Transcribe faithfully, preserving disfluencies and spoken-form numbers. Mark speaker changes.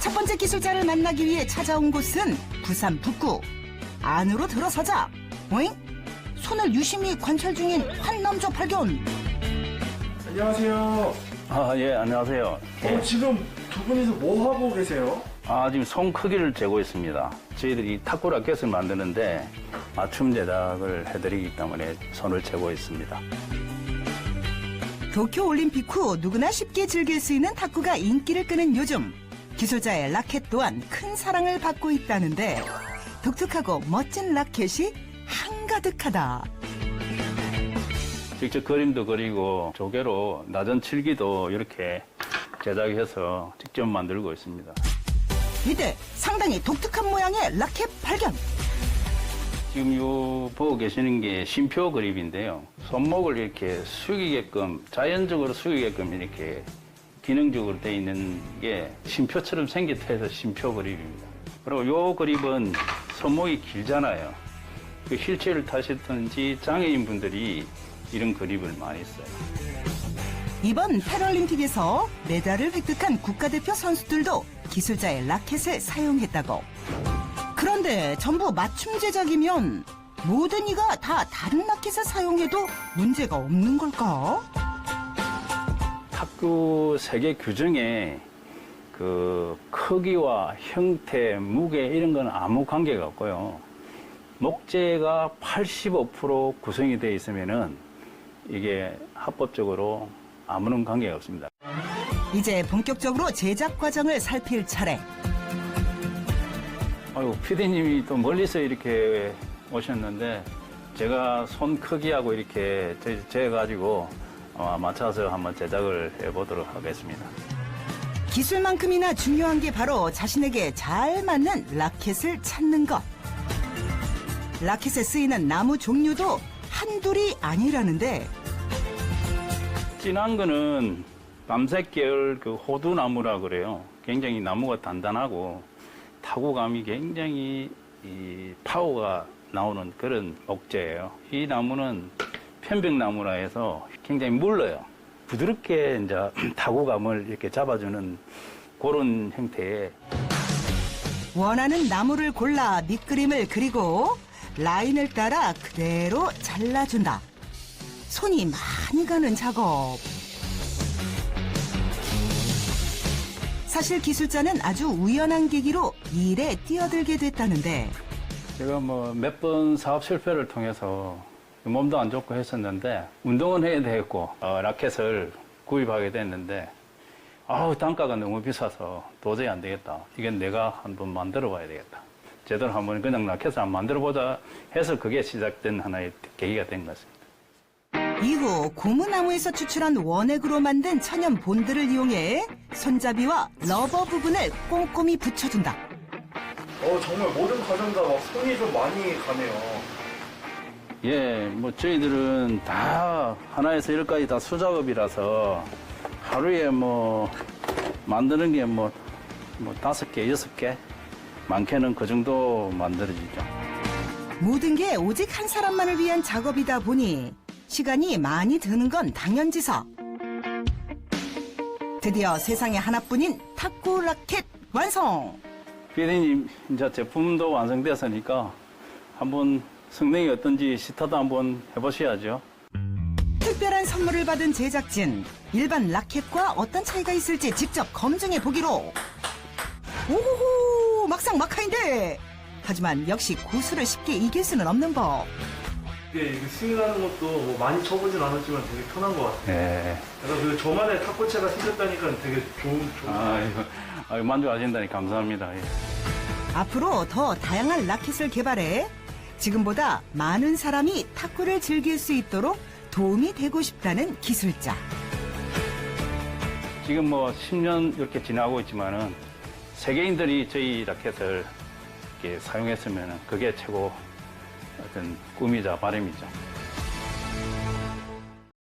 Speaker 1: 첫 번째 기술자를 만나기 위해 찾아온 곳은 부산 북구. 안으로 들어서자 오잉? 손을 유심히 관찰 중인 한 남자 발견.
Speaker 2: 안녕하세요.
Speaker 3: 아, 예, 안녕하세요.
Speaker 2: 어, 지금 두 분이서 뭐 하고 계세요?
Speaker 3: 아, 지금 손 크기를 재고 있습니다. 저희들이 탁구 라켓을 만드는데 맞춤 제작을 해드리기 때문에 손을 재고 있습니다.
Speaker 1: 도쿄올림픽 후 누구나 쉽게 즐길 수 있는 탁구가 인기를 끄는 요즘. 기술자의 라켓 또한 큰 사랑을 받고 있다는데 독특하고 멋진 라켓이 한가득하다.
Speaker 3: 직접 그림도 그리고 조개로 나전 칠기도 이렇게 제작해서 직접 만들고 있습니다.
Speaker 1: 이때 상당히 독특한 모양의 라켓 발견.
Speaker 3: 지금 요 보고 계시는 게 쉼표 그립인데요. 손목을 이렇게 숙이게끔, 자연적으로 숙이게끔 이렇게 기능적으로 되어 있는 게 쉼표처럼 생겼다 해서 쉼표 그립입니다. 그리고 요 그립은 손목이 길잖아요. 그 휠체어를 타셨든지 장애인 분들이 이런 그립을 많이 써요.
Speaker 1: 이번 패럴림픽에서 메달을 획득한 국가대표 선수들도 기술자의 라켓을 사용했다고. 그런데 전부 맞춤 제작이면 모든 이가 다 다른 라켓을 사용해도 문제가 없는 걸까?
Speaker 3: 탁구 세계 규정에 그 크기와 형태, 무게 이런 건 아무 관계가 없고요. 목재가 팔십오 퍼센트 구성이 되어 있으면은 이게 합법적으로 아무런 관계가 없습니다.
Speaker 1: 이제 본격적으로 제작 과정을 살필 차례.
Speaker 3: 아유, 피디님이 또 멀리서 이렇게 오셨는데 제가 손 크기하고 이렇게 재가지고 맞춰서 한번 제작을 해보도록 하겠습니다.
Speaker 1: 기술만큼이나 중요한 게 바로 자신에게 잘 맞는 라켓을 찾는 것. 라켓에 쓰이는 나무 종류도 한둘이 아니라는데
Speaker 3: 진한 거는 밤색 계열 그 호두나무라 그래요. 굉장히 나무가 단단하고 타구감이 굉장히 이 파워가 나오는 그런 목재예요. 이 나무는 편백나무라 해서 굉장히 물러요. 부드럽게 이제 타구감을 이렇게 잡아주는 그런 형태의.
Speaker 1: 원하는 나무를 골라 밑그림을 그리고 라인을 따라 그대로 잘라준다. 손이 많이 가는 작업. 사실 기술자는 아주 우연한 계기로 이 일에 뛰어들게 됐다는데
Speaker 3: 제가 뭐 몇 번 사업 실패를 통해서 몸도 안 좋고 했었는데 운동은 해야 되겠고 어, 라켓을 구입하게 됐는데 아우 단가가 너무 비싸서 도저히 안 되겠다. 이건 내가 한번 만들어 봐야 되겠다. 제대로 한번 그냥 라켓을 한번 만들어 보자 해서 그게 시작된 하나의 계기가 된 것 같습니다.
Speaker 1: 이후 고무나무에서 추출한 원액으로 만든 천연 본드를 이용해 손잡이와 러버 부분을 꼼꼼히 붙여준다.
Speaker 2: 어, 정말 모든 과정 다 막 손이 좀 많이 가네요.
Speaker 3: 예, 뭐 저희들은 다 하나에서 열까지 다 수작업이라서 하루에 뭐 만드는 게 뭐 뭐 다섯 개, 여섯 개, 많게는 그 정도 만들어지죠.
Speaker 1: 모든 게 오직 한 사람만을 위한 작업이다 보니 시간이 많이 드는 건 당연지사. 드디어 세상에 하나뿐인 탁구 라켓 완성!
Speaker 3: 피디님, 이제 제품도 완성됐으니까 한번 성능이 어떤지 시타도 한번 해보셔야죠.
Speaker 1: 특별한 선물을 받은 제작진. 일반 라켓과 어떤 차이가 있을지 직접 검증해 보기로. 오호호, 막상 막하인데. 하지만 역시 고수를 쉽게 이길 수는 없는 법.
Speaker 2: 이게, 이게 스윙하는 것도 뭐 많이 쳐보진 않았지만 되게 편한 것 같아요.
Speaker 3: 예.
Speaker 2: 그래서 그 저만의 탁구채가 생겼다니까 되게 좋은, 좋은.
Speaker 3: 아이고, 아이고 만족하신다니 감사합니다. 예.
Speaker 1: 앞으로 더 다양한 라켓을 개발해 지금보다 많은 사람이 탁구를 즐길 수 있도록 도움이 되고 싶다는 기술자.
Speaker 3: 지금 뭐 십 년 이렇게 지나고 있지만은 세계인들이 저희 라켓을 이렇게 사용했으면 그게 최고 어떤 꿈이자 바람이죠.